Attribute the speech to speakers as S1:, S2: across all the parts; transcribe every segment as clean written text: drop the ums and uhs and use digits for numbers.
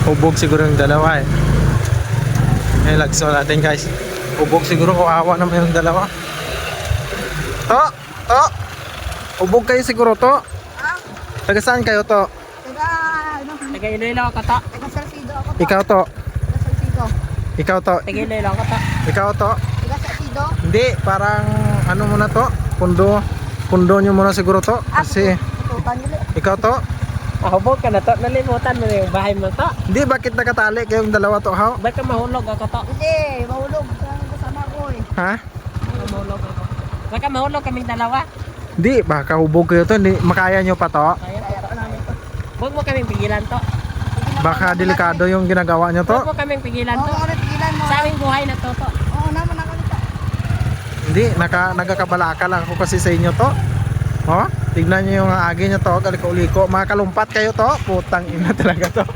S1: Hubog siguro yung dalawa eh. Ngayon lagso natin guys. Hubog siguro, kawawa naman yung dalawa. To! To! Hubog kayo siguro to. Taga saan kayo to?
S2: Taga Iloilo ako to.
S3: Taga Salcido ako to.
S1: Ikaw to.
S3: Taga Salcido.
S1: Ikaw to.
S2: Taga Iloilo ako to.
S1: Ikaw to.
S3: Taga Salcido.
S1: Hindi, parang ano muna to? Pundo nyo muna siguro to. Kasi
S3: Tututan nila.
S1: ikaw to.
S2: Hubog ka na to. Nalimutan mo na yung bahay mo to.
S1: Hindi, bakit nakatali kayong dalawa to ha?
S2: Ba't ka mahulog ako to?
S3: Hindi, mahulog. Kasama ko eh.
S1: Ha?
S2: Mahulog ako. Ba't ka mahulog kaming dalawa?
S1: Hindi, baka hubog kayo to. Hindi, makaya nyo pa to.
S2: Kaya to namin to. Huwag mo kaming pigilan to.
S1: Baka delikado yung ginagawa nyo to.
S2: Huwag mo kaming pigilan
S3: Oo,
S2: to.
S3: kami pigilan mo.
S2: Sa aming buhay na to to.
S3: Oo naman ako nito.
S1: Hindi, nagkakabalaka lang ako kasi sa inyo to. Oh, tignan nyo yung agi nyo to, kaliko-liko. Mga kalumpat kayo to. Putang ina talaga to.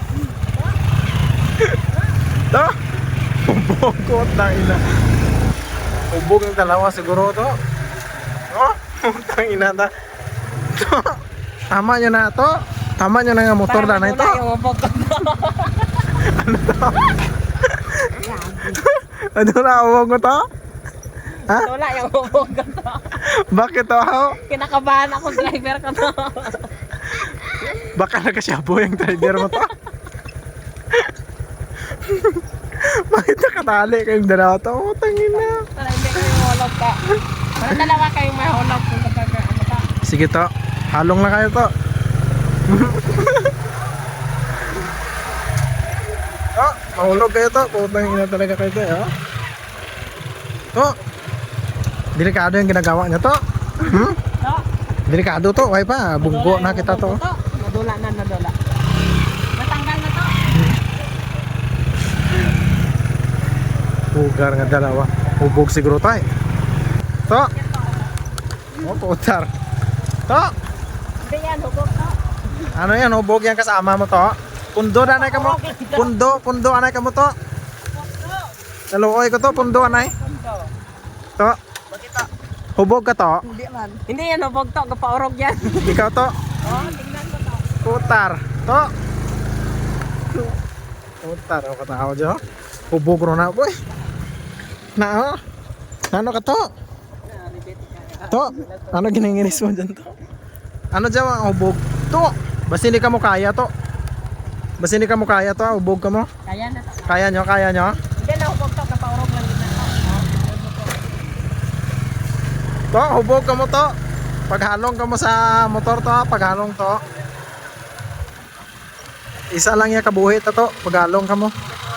S1: To. Hubog ko, tang ina. Hubog yung dalawa siguro to. Oh, putang ina ta. To. Tama nyo na to. Tama nyo na nga motor na ito.
S2: Para yung hubog ko to.
S1: Ano na, hubog mo to? Ha?
S2: Wala yung hubog ko to.
S1: Bakit to?
S2: Kinakabahan ako driver ko to.
S1: Baka nakasyabo yung driver mo to. Bakit nakatali kayong dalawa to? Oh, tangin na.
S2: Para hindi kayo mahulog to. Para dalawa kayong mahulog kung kapag ano to.
S1: Sige to, halong na kayo to. Oh, mahulog kayo to. Putang ina talaga kayo to. Oh. Oh. Delikado yung ginagawa niya to. Hmm?
S2: To.
S1: Delikado to. Why pa? Bunggo na kita to.
S2: Nadula na, nadula. Natanggal na to.
S1: Pugar nga dalawa. Hubog siguro tayo. To. Oh, putar. To.
S2: Hindi yan, hubog to.
S1: Ano yan? Hubog yan kasama mo to. Pundo na anay ka mo. Pundo anay ka mo to. Naluoy ko to. Pundo anay. To. Hubog ka to.
S3: Hindi man.
S2: Hindi yan, hubog to. Kapaurog yan.
S1: Ikaw to.
S2: Oh, tingnan mo to.
S1: Putar. To. Putar. Ako tao dyan. Hubog ro na boy. Na oh. Ano ka to? To. Ano ginanginis mo dyan to? Ano dyan ang hubog? To. Basta hindi ka mo kaya to. Basta hindi ka mo kaya to. Hubog ka mo.
S2: Kaya na to.
S1: Kaya nyo? Kaya nyo?
S2: Hindi na hubog to. Kapaurog lang din na to.
S1: To. Hubog ka mo to. Paghalong ka mo sa motor to. Paghalong to. Isa lang yung kabuhi to. Paghalong ka mo.